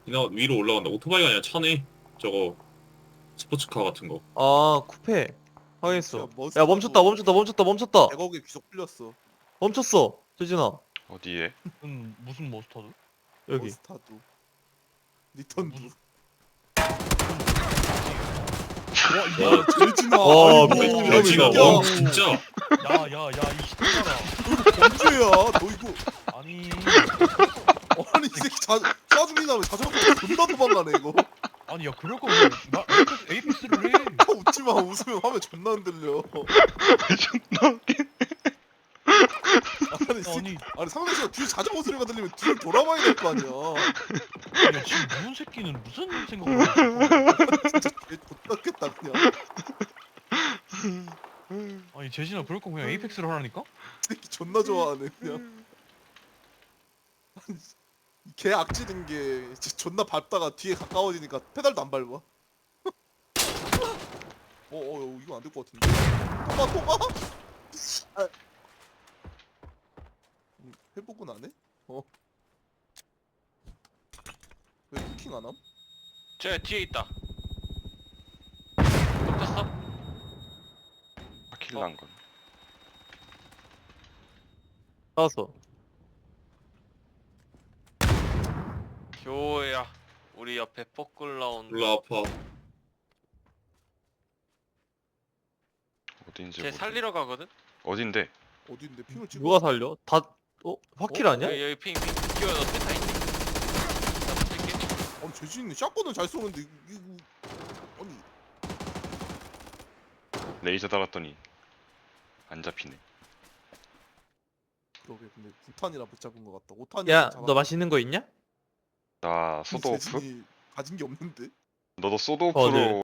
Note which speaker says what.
Speaker 1: 위로 올라간다. 오토바이가 아니라 차네. 저거 스포츠카 같은 거.
Speaker 2: 아 쿠페 확인했어.
Speaker 3: 진짜
Speaker 2: 야
Speaker 3: 머스타도
Speaker 2: 멈췄다
Speaker 3: 100억에 귀속 풀렸어.
Speaker 2: 멈췄어 재진아
Speaker 4: 어디에?
Speaker 5: 무슨 머스타드?
Speaker 2: 여기
Speaker 3: 머스타도 리턴도.
Speaker 5: 무슨-
Speaker 3: 와 재진아.
Speaker 2: 와,
Speaker 3: 아이고,
Speaker 2: 미친
Speaker 3: 야,
Speaker 1: 지가
Speaker 3: 진짜.
Speaker 1: 와 진짜.
Speaker 5: 야야야 이 씨발아.
Speaker 3: 범죄야. 너 이거
Speaker 5: 아니
Speaker 3: 아니 이 새끼 짜증이 나면 자전거 타고 존나 도망가네 이거.
Speaker 5: 아니 야 그럴 거면 나 에이펙스를 해.
Speaker 3: 웃지 마. 웃으면 화면 존나 흔들려.
Speaker 4: 존나 웃긴.
Speaker 3: 아니 이 새끼.
Speaker 5: 아니
Speaker 3: 아니 상대 씨가 뒤에 자전거 소리가 들리면 뒤를 돌아봐야 될 거 아니야.
Speaker 5: 야 지금 무슨 새끼는 무슨 생각을 하고 있어?
Speaker 3: 진짜 개 X같겠다 그냥.
Speaker 5: 아니 재진아 그럴 거 그냥 에이펙스를 하라니까?
Speaker 3: 이 새끼 존나 좋아하네 그냥. 개 악질인 게 진짜 존나 밟다가 뒤에 가까워지니까 페달도 안 밟아. 이거 안 될 것 같은데. 토마. 아. 회복은 안 해? 왜 쿠킹 안 함?
Speaker 6: 쟤 뒤에 있다. 덮쳤어?
Speaker 4: 아킬란 건.
Speaker 2: 나왔어.
Speaker 6: 교야. 우리 옆에 포클 나온다.
Speaker 1: 몰라 아파.
Speaker 4: 어딘지
Speaker 6: 쟤
Speaker 4: 모르.
Speaker 6: 살리러 가거든?
Speaker 4: 어딘데?
Speaker 3: 어디인데 핑을 찍어?
Speaker 2: 누가 살려? 다 화킬 아니야?
Speaker 6: 여기 핑. 기호야 너 펜타 있니? 나 붙일게.
Speaker 3: 아니 재진이 샷건은 잘 쏘는데 이거 아니
Speaker 4: 레이저 달았더니 안 잡히네.
Speaker 3: 그러게 근데 9탄이라 못 잡은 것 같다. 5탄이
Speaker 2: 야 너 맛있는 거 있냐?
Speaker 4: 나 소드오프?
Speaker 3: 가진 게 없는데.
Speaker 4: 너도 소드오프로